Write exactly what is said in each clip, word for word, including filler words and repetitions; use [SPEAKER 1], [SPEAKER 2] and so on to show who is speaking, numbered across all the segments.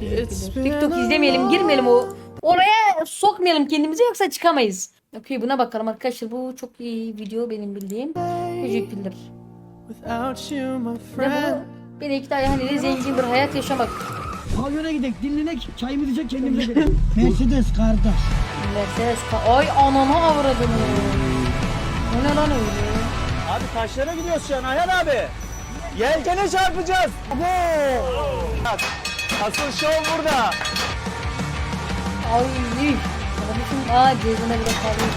[SPEAKER 1] teşekkürler. TikTok izlemeyelim, girmeyelim o. Oraya sokmayalım kendimizi yoksa çıkamayız. Okey, buna bakalım arkadaşlar. Bu çok iyi video benim bildiğim. Teşekkürler. Ne bu? Beni iki tane hani zengin bir hayat yaşamak.
[SPEAKER 2] Pavyona gidelim, dinlenek, çayımızı içecek kendimize gidelim. Mercedes kardeş.
[SPEAKER 1] Mercedes ka- Ay ananı avradım. O ne lan öyle?
[SPEAKER 3] Abi taşlara gidiyoruz şu an Ayhan abi. Yelkene çarpacağız. Bak, asıl şov burada.
[SPEAKER 1] Ay. Kardeşim aa cezene bile kalıyor.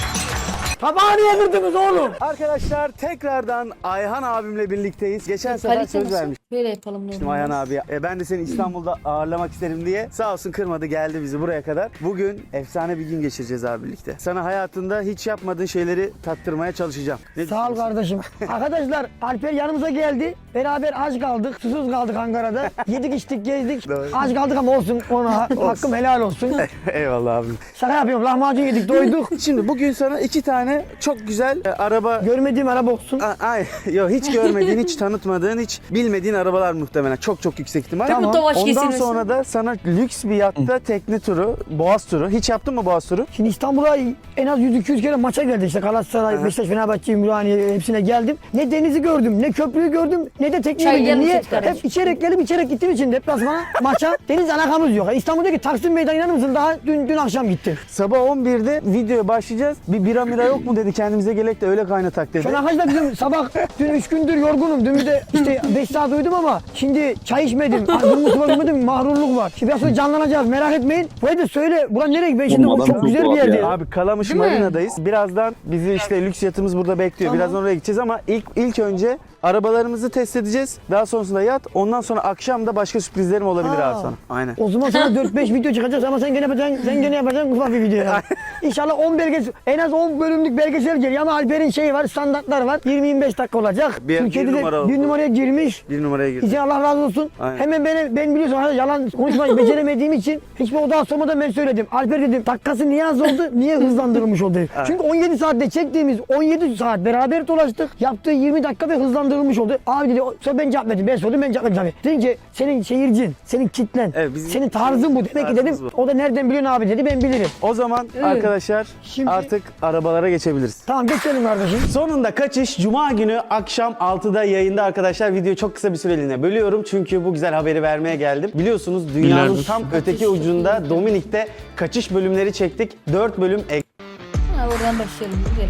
[SPEAKER 2] Tabağı niye kırdınız oğlum?
[SPEAKER 3] Arkadaşlar tekrardan Ayhan abimle birlikteyiz. Geçen sefer
[SPEAKER 1] Kalite
[SPEAKER 3] söz
[SPEAKER 1] nasıl?
[SPEAKER 3] vermiştim
[SPEAKER 1] Böyle yapalım ne olur.
[SPEAKER 3] Ayhan abi. E, ben de seni İstanbul'da ağırlamak isterim diye. Sağ olsun kırmadı, geldi bizi buraya kadar. Bugün efsane bir gün geçireceğiz abi birlikte. Sana hayatında hiç yapmadığın şeyleri tattırmaya çalışacağım. Ne
[SPEAKER 2] Sağ ol kardeşim. Arkadaşlar Alper yanımıza geldi. Beraber aç kaldık, susuz kaldık Ankara'da. Yedik içtik gezdik.
[SPEAKER 3] Doğru.
[SPEAKER 2] Aç kaldık ama olsun ona hakkım helal olsun.
[SPEAKER 3] Eyvallah abim.
[SPEAKER 2] Şaka yapıyorum, lahmacun yedik doyduk.
[SPEAKER 3] Şimdi bugün sana iki tane çok güzel e, araba...
[SPEAKER 2] Görmediğim araba olsun.
[SPEAKER 3] A- Ay, yok hiç görmediğin, hiç tanıtmadığın, hiç bilmediğin arabalar muhtemelen. Çok çok yüksek ihtimal.
[SPEAKER 2] Tamam.
[SPEAKER 1] Bu tovaş
[SPEAKER 3] Ondan
[SPEAKER 1] kesilmesin.
[SPEAKER 3] sonra da sana lüks bir yatta tekne turu, boğaz turu. Hiç yaptın mı boğaz turu?
[SPEAKER 2] Şimdi İstanbul'a en az yüz iki yüz kere maça geldi işte Galatasaray,
[SPEAKER 3] Aha.
[SPEAKER 2] Beşiktaş, Fenerbahçe, Ümraniye hepsine geldim. Ne denizi gördüm, ne köprüyü gördüm, ne de tekneyi
[SPEAKER 1] Çay
[SPEAKER 2] bildim.
[SPEAKER 1] yanı
[SPEAKER 2] Niye?
[SPEAKER 1] çek kardeşim.
[SPEAKER 2] Hep içerek gelip içerek gittiğim için deplasmana, maça deniz alakamız yok. Yani İstanbul'daki Taksim Meydanı inanır mısın? Daha dün dün akşam gittim.
[SPEAKER 3] Sabah on birde videoya başlayacağız. Bir bira mira yok mu dedi, kendimize gelek de öyle kaynatak dedi.
[SPEAKER 2] Şu an arkadaşlar bizim sabah dün üç gündür yorgunum. Dün bir de işte beş saat uyudum ama şimdi çay içmedim. Durmuş var uyumadım, mahrurluk var. Şimdi biraz sonra canlanacağız, merak etmeyin. Bu arada söyle, buran nereye? Ben şimdi
[SPEAKER 4] Oğlum,
[SPEAKER 2] çok
[SPEAKER 4] adam
[SPEAKER 2] güzel
[SPEAKER 4] çok
[SPEAKER 2] bir
[SPEAKER 4] tuhaf
[SPEAKER 2] yerde.
[SPEAKER 4] ya.
[SPEAKER 3] Abi Kalamış
[SPEAKER 1] Değil mi?
[SPEAKER 3] Marina'dayız. Birazdan bizi işte lüks yatımız burada bekliyor.
[SPEAKER 2] Tamam.
[SPEAKER 3] Birazdan oraya gideceğiz ama ilk ilk önce arabalarımızı test edeceğiz. Daha sonrasında yat. Ondan sonra akşam da başka sürprizlerim olabilir
[SPEAKER 2] Aa.
[SPEAKER 3] abi sana. Aynen.
[SPEAKER 2] O zaman sana dört beş video çıkacak ama sen gene yapacaksın, sen gene yapacaksın ufak bir video ya. İnşallah on belgesel, en az on bölümlük belgesel geliyor ama Alper'in şeyi var, standartlar var. yirmi yirmi beş dakika olacak.
[SPEAKER 3] Bir-
[SPEAKER 2] Türkiye'de
[SPEAKER 3] bir
[SPEAKER 2] de
[SPEAKER 3] numara
[SPEAKER 2] bir
[SPEAKER 3] oldu.
[SPEAKER 2] numaraya girmiş.
[SPEAKER 3] Bir numaraya girdi.
[SPEAKER 2] İzin Allah razı olsun.
[SPEAKER 3] Aynen.
[SPEAKER 2] Hemen beni, ben biliyorsun arkadaşlar yalan konuşmayı beceremediğim için hiçbir odağa sormadan ben söyledim. Alper dedim dakikası niye az oldu, niye hızlandırılmış oldu? Çünkü on yedi saatte çektiğimiz on yedi saat beraber dolaştık. Yaptığı yirmi dakika ve hızlandırılmış oldu. Abi dedi, o- sonra ben cevap verdim. Ben sordum, ben cevap verdim tabii. Dedim ki senin seyircin, senin kitlen,
[SPEAKER 3] Evet, bizim-
[SPEAKER 2] senin tarzın bu. Demek ki dedim,
[SPEAKER 3] Tarzımız bu.
[SPEAKER 2] o da nereden biliyorsun abi dedi, ben bilirim.
[SPEAKER 3] O zaman arkadaşlar
[SPEAKER 2] Şimdi-
[SPEAKER 3] artık arabalara geçebiliriz.
[SPEAKER 2] Tamam geçelim kardeşim.
[SPEAKER 3] Sonunda kaçış Cuma günü akşam altıda yayında arkadaşlar. Videoyu çok kısa bir süreliğine bölüyorum çünkü bu güzel haberi vermeye geldim. Biliyorsunuz dünyanın
[SPEAKER 4] Günlerdir.
[SPEAKER 3] tam öteki ucunda Dominik'te kaçış bölümleri çektik. dört bölüm ek-
[SPEAKER 1] Ha, oradan başlayalım güzel.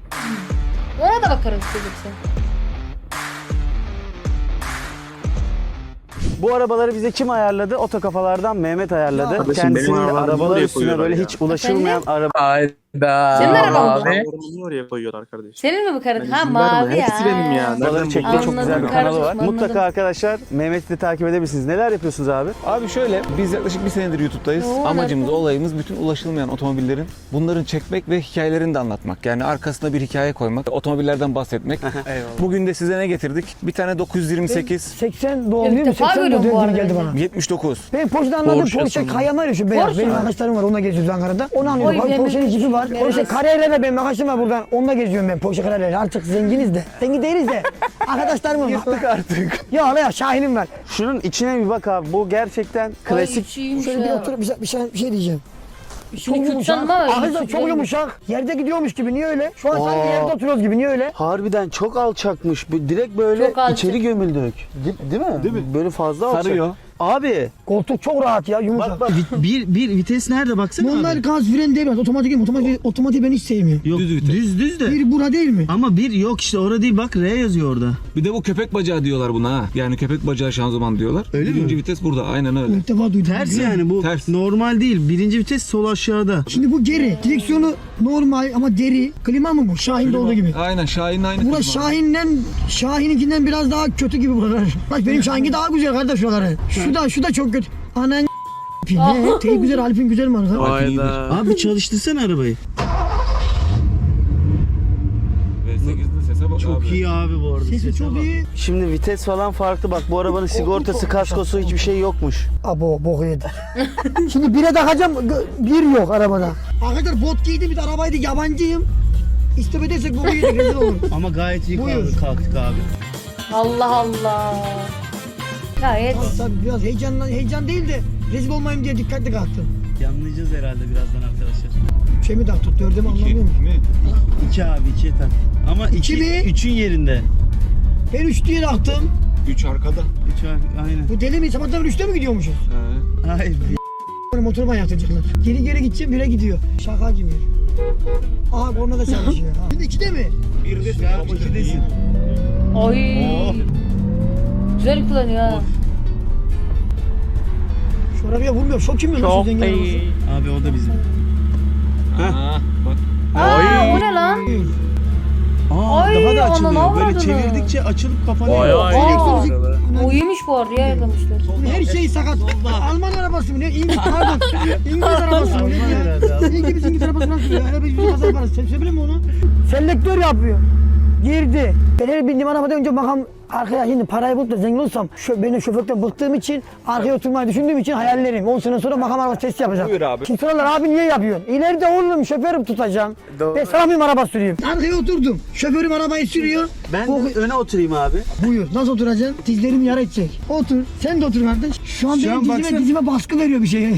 [SPEAKER 1] Ona da bakarız çocuksa.
[SPEAKER 3] Bu arabaları bize kim ayarladı? Otokafalardan Mehmet ayarladı.
[SPEAKER 4] Kardeşim,
[SPEAKER 3] Kendisinin
[SPEAKER 4] benim arabalarımı
[SPEAKER 3] arabalar
[SPEAKER 4] buraya
[SPEAKER 3] üstüne
[SPEAKER 4] koyuyorlar
[SPEAKER 3] böyle
[SPEAKER 4] ya.
[SPEAKER 3] hiç ulaşılmayan araba.
[SPEAKER 4] Hayda.
[SPEAKER 1] Senin araban mı?
[SPEAKER 4] Abi. Arabalarımı oraya koyuyorlar kardeşim.
[SPEAKER 1] Senin mi bu karın?
[SPEAKER 4] Ben
[SPEAKER 1] Ha
[SPEAKER 4] izin verme,
[SPEAKER 1] mavi ya.
[SPEAKER 4] hepsi benim ya.
[SPEAKER 3] Arabaları
[SPEAKER 4] Nereden
[SPEAKER 3] çekti, çok
[SPEAKER 1] Anladım
[SPEAKER 3] güzel bir kanalı var.
[SPEAKER 1] kardeşim,
[SPEAKER 3] Mutlaka
[SPEAKER 1] anladım.
[SPEAKER 3] arkadaşlar Mehmet'i de takip edebilirsiniz. Neler yapıyorsunuz abi?
[SPEAKER 5] Abi şöyle, biz yaklaşık bir senedir YouTube'dayız.
[SPEAKER 1] Oo,
[SPEAKER 5] Amacımız,
[SPEAKER 1] nerede?
[SPEAKER 5] olayımız bütün ulaşılmayan otomobillerin, bunların çekmek ve hikayelerini de anlatmak. Yani arkasına bir hikaye koymak, otomobillerden bahsetmek. Bugün de size ne getirdik? Bir tane dokuz yüz yirmi sekiz,
[SPEAKER 2] seksen doğumluyum,
[SPEAKER 1] İlk defa
[SPEAKER 2] seksen
[SPEAKER 1] görüyorum bu
[SPEAKER 2] model
[SPEAKER 1] arada
[SPEAKER 2] gibi geldi
[SPEAKER 1] ben
[SPEAKER 2] bana.
[SPEAKER 5] yetmiş dokuz.
[SPEAKER 2] Ben Porsche'den anladım.
[SPEAKER 5] Porsche
[SPEAKER 2] Porsche
[SPEAKER 5] sonunda.
[SPEAKER 2] Cayenne var şu beyaz.
[SPEAKER 1] Porsche
[SPEAKER 2] Benim
[SPEAKER 1] mi?
[SPEAKER 2] arkadaşlarım var, onunla geziyoruz Ankara'da. Onu anlıyorum.
[SPEAKER 1] Oy,
[SPEAKER 2] Bak, Porsche'nin
[SPEAKER 1] Mehmet.
[SPEAKER 2] cipi var.
[SPEAKER 1] Mehmet.
[SPEAKER 2] Porsche Carrera benim arkadaşım var buradan. Onunla geziyorum ben Porsche Carrera'yla. Artık zenginiz de. Zengin değiliz de. Arkadaşlarımın.
[SPEAKER 5] Yırttık artık.
[SPEAKER 2] Ya Allah ya Şahin'im var.
[SPEAKER 3] Şunun içine bir bak abi. Bu gerçekten klasik.
[SPEAKER 1] Ay içiymiş
[SPEAKER 2] Şöyle bir
[SPEAKER 1] ya.
[SPEAKER 2] oturup bir şey, bir şey, bir şey diyeceğim.
[SPEAKER 1] İçini kürtsen var.
[SPEAKER 2] Arkadaşlar çok yumuşak. Yerde gidiyormuş gibi. Niye öyle? Şu an sanki
[SPEAKER 3] Aa.
[SPEAKER 2] yerde oturuyoruz gibi. Niye öyle?
[SPEAKER 3] Harbiden çok alçakmış. Bu direkt böyle
[SPEAKER 1] Çok alçak.
[SPEAKER 3] içeri gömüldük. Değil, değil mi? Değil mi? Böyle fazla alçak.
[SPEAKER 5] Sarıyor.
[SPEAKER 3] Abi
[SPEAKER 2] Koltuk çok rahat ya, yumuşak.
[SPEAKER 3] bak bak bir, bir vites nerede baksana
[SPEAKER 2] Bunlar
[SPEAKER 3] abi.
[SPEAKER 2] gaz fren değil mi? Otomatik değil mi? Otomatik, otomatik ben hiç sevmiyorum.
[SPEAKER 3] Yok,
[SPEAKER 5] Düz vites.
[SPEAKER 3] düz düz de.
[SPEAKER 2] Bir bura değil mi?
[SPEAKER 3] Ama bir yok işte orada değil, bak R yazıyor orada.
[SPEAKER 5] Bir de bu köpek bacağı diyorlar buna ha. Yani köpek bacağı şanzıman diyorlar.
[SPEAKER 3] Öyle mi?
[SPEAKER 5] Birinci vites burada, aynen öyle.
[SPEAKER 2] İlk defa duydum.
[SPEAKER 3] Ters yani bu.
[SPEAKER 5] Ters.
[SPEAKER 3] Normal değil. Birinci vites sol aşağıda.
[SPEAKER 2] Şimdi bu geri. Direksiyonu normal ama deri. Klima mı bu? Şahin'de olduğu gibi.
[SPEAKER 5] Aynen, Şahin'in aynı.
[SPEAKER 2] Burası
[SPEAKER 5] klima.
[SPEAKER 2] Şahin'den, Şahin'inkinden biraz daha kötü gibi buralar. Bak benim Şahin'ki daha güzel kardeş şuraları. Şu da, şu da çok kötü. Anan ne? Teyip güzel, Alp'in güzel mi arkadaş?
[SPEAKER 4] Hayda.
[SPEAKER 3] Abi çalıştırsana arabayı.
[SPEAKER 5] V sekizde sese bak
[SPEAKER 3] Çok
[SPEAKER 5] abi.
[SPEAKER 3] iyi abi bu arada.
[SPEAKER 2] Sesi
[SPEAKER 3] Sese
[SPEAKER 2] çok
[SPEAKER 3] bak.
[SPEAKER 2] iyi.
[SPEAKER 3] Şimdi vites falan farklı, bak bu arabanın sigortası, kaskosu hiçbir şey yokmuş.
[SPEAKER 2] Abo boku yedi. Şimdi bire takacağım, gö- bir yok arabada. Arkadaşlar bot giydim, bir de arabaydı, yabancıyım. İstop edersek boku yedik, rezil olur.
[SPEAKER 3] Ama gayet iyi
[SPEAKER 2] Buyur.
[SPEAKER 3] kalktık, kalktık abi.
[SPEAKER 1] Allah Allah. Gayet.
[SPEAKER 2] Tabii biraz heyecanlan, heyecan değil de Rezil olmayayım diye dikkatli kalktım.
[SPEAKER 3] Yanlayacağız herhalde birazdan arkadaşlar.
[SPEAKER 2] Şey mi taktık? Dörde mi anlamıyor musun?
[SPEAKER 3] İki abi ikiye tak. Ama iki,
[SPEAKER 2] İki mi?
[SPEAKER 3] üçün yerinde.
[SPEAKER 2] Ben üç diye taktım.
[SPEAKER 5] üç arkada.
[SPEAKER 3] Üç abi aynen.
[SPEAKER 2] Bu deli mi? Sabahtan beri üçte mi gidiyormuşuz?
[SPEAKER 3] Hayır.
[SPEAKER 2] Böyle motoru yaptıracaklar. Geri geri gideceğim, bire gidiyor. Şaka gibi. Aha korna da çalışıyor. Ha. Şimdi ikide mi?
[SPEAKER 5] Bir de
[SPEAKER 3] Ya ikidesin.
[SPEAKER 1] Ay.
[SPEAKER 3] Oh.
[SPEAKER 1] Güzel kullanıyor ha.
[SPEAKER 2] Şu arabaya vurmuyor. Şok kim lan?
[SPEAKER 4] Çok
[SPEAKER 2] Zengin arabası.
[SPEAKER 4] iyi.
[SPEAKER 3] Abi o da bizim.
[SPEAKER 5] Aa, bak.
[SPEAKER 1] Aa, o ne lan?
[SPEAKER 3] Aa
[SPEAKER 1] Ay,
[SPEAKER 3] daha da
[SPEAKER 1] ananı
[SPEAKER 3] açılıyor. Böyle
[SPEAKER 1] avradını.
[SPEAKER 3] çevirdikçe açılıp kapanıyor.
[SPEAKER 4] Vay vay.
[SPEAKER 1] Aa,
[SPEAKER 2] Elektrik-
[SPEAKER 1] o iyiymiş bu arada ya yakalamışlar.
[SPEAKER 2] Her şey sakat. Alman arabası mı ne? İngiliz, pardon. İngiliz arabası mı ne ya? İngiliz İngiliz arabası nasıl ya? Araba yüzü kazar yaparız. Sen söyle mi onu? Selektör yapıyor. Girdi. Ben her bindiğim arabada önce makam arkaya şimdi parayı bulup da zengin olsam şö benim şoförlükten bıktığım için arkaya oturmayı düşündüğüm için hayallerim. on sene sonra makam arabası testi yapacağım.
[SPEAKER 5] Buyur abi.
[SPEAKER 2] Şimdi sorarlar abi niye yapıyorsun? İleride oğlum şoförüm tutacağım.
[SPEAKER 3] Doğru.
[SPEAKER 2] Ben sana mıyım araba sürüyorum? Arkaya oturdum. Şoförüm arabayı sürüyor.
[SPEAKER 3] Ben
[SPEAKER 2] Bu-
[SPEAKER 3] de öne oturayım abi.
[SPEAKER 2] Buyur. Nasıl oturacaksın? Dizlerim yara edecek. Otur. Sen de otur kardeş. Şu an
[SPEAKER 3] Şu
[SPEAKER 2] benim
[SPEAKER 3] an
[SPEAKER 2] dizime,
[SPEAKER 3] baksana.
[SPEAKER 2] dizime baskı veriyor bir şey.